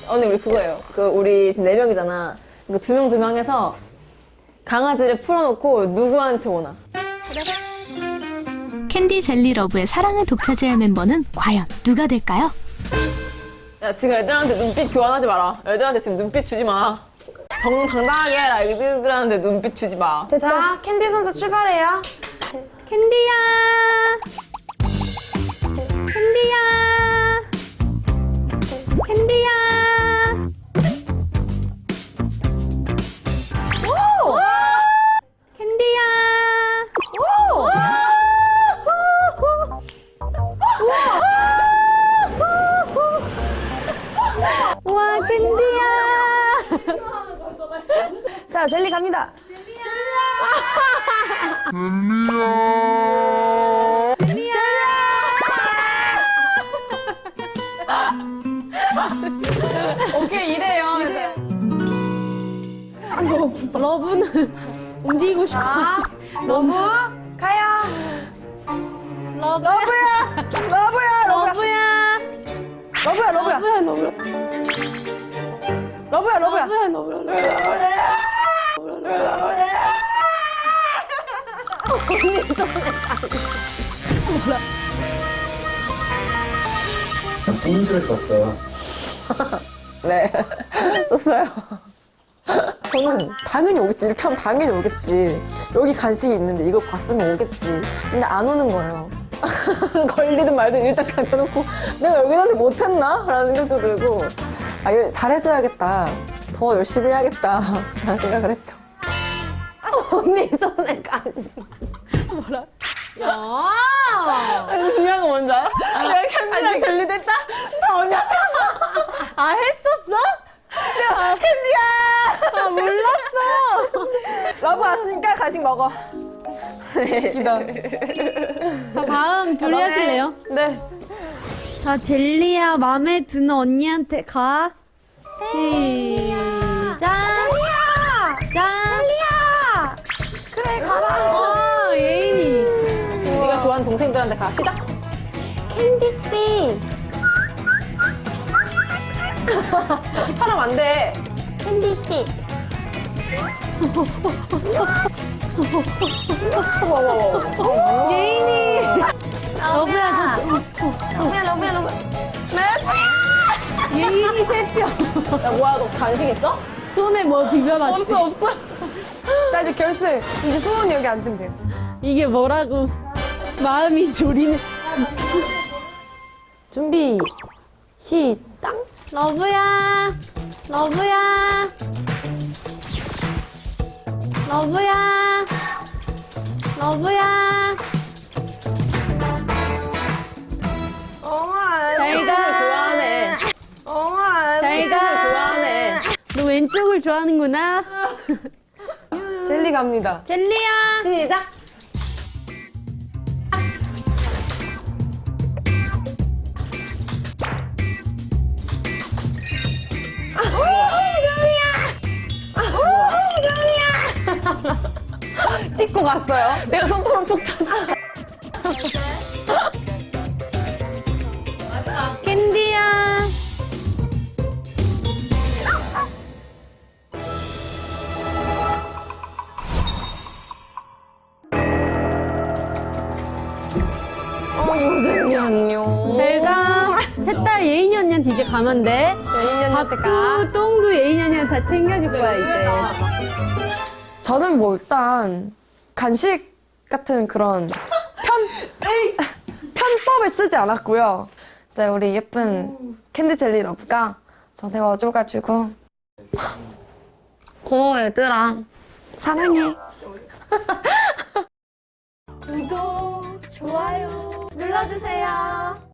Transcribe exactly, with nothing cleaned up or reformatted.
언니 우리 그거예요. 그 우리 지금 네 명이잖아. 그 두 명 두 명 해서 강아지를 풀어놓고 누구한테 오나. 캔디 젤리 러브의 사랑을 독차지할 멤버는 과연 누가 될까요? 야 지금 애들한테 눈빛 교환하지 마라. 애들한테 지금 눈빛 주지 마. 정당당하게 해라. 애들한테 눈빛 주지 마. 자, 캔디 선수 출발해요. 캔디야! 캔디야! 캔디야! 오! 캔디야! 오! 와, 캔디야! 자, 젤리 갑니다. 오케이 이래요. 러브는 움직이고 싶어. 러브, 가요. 러브야! 러브야, 러브야! 러브야, 러브야. 러브야, 러브야. 러브야, 러브야. 러브야, 러브야. 인수를 썼어요. 네. 썼어요. 저는 당연히 오겠지. 이렇게 하면 당연히 오겠지. 여기 간식이 있는데 이거 봤으면 오겠지. 근데 안 오는 거예요. 걸리든 말든 일단 그냥 대놓고 내가 여기한테 못했나? 라는 생각도 들고 아, 이거 잘해줘야겠다. 더 열심히 해야겠다. 라는 생각을 했죠. 언니 손에 간식. 뭐라? 야! 아니, 중요한 건 뭔지 알아? 내가 캔디랑 젤리 됐다? 다 언니한테 아, 했었어? 야, 캔디야! 아, 몰랐어. 러브 왔으니까 간식 먹어. 기다. 자, 다음 둘이 하실래요? 네. 자, 젤리야, 마음에 드는 언니한테 가. 시작. 젤리야! 자. 젤리야! 그래, 가라. 어, 예인이. 네가 좋아하는 동생들한테 가. 시작. 캔디씨. 힙하면 안 돼. 캔디씨. 예인이. 러브야, 저. 러브야, 러브야, 러브야. 예인이 새뼈. 야, 뭐야, 너 간식 있어? 손에 뭐 비벼놨지? 없어, 없어. 자, 이제 결승. 이제 수원이 여기 앉으면 돼요. 이게 뭐라고. 마음이 졸이는. 준비, 시작. 러브야. 러브야. 러브야. 러브야. 엉아, 잘 가. 좋아하네. 엉아. 잘 가. 좋아하네. 너 왼쪽을 좋아하는구나. 젤리 갑니다. 젤리야. 시작. 찍고 갔어요. 내가 손톱을 푹 찼어. 캔디야. 어, 요즘이 안녕. 제가 셋딸 예인이 언니한테 이제 가면 돼. 예인이 언니한테 가. 밥도 똥도 예인이 언니한테 다 챙겨줄 거야 이제. 저는 뭐 일단 간식 같은 그런 편 편법을 쓰지 않았고요. 이제 우리 예쁜 캔디 젤리 러브가 저한테 와줘가지고 고마워 얘들아 사랑해. 구독, 좋아요 눌러주세요.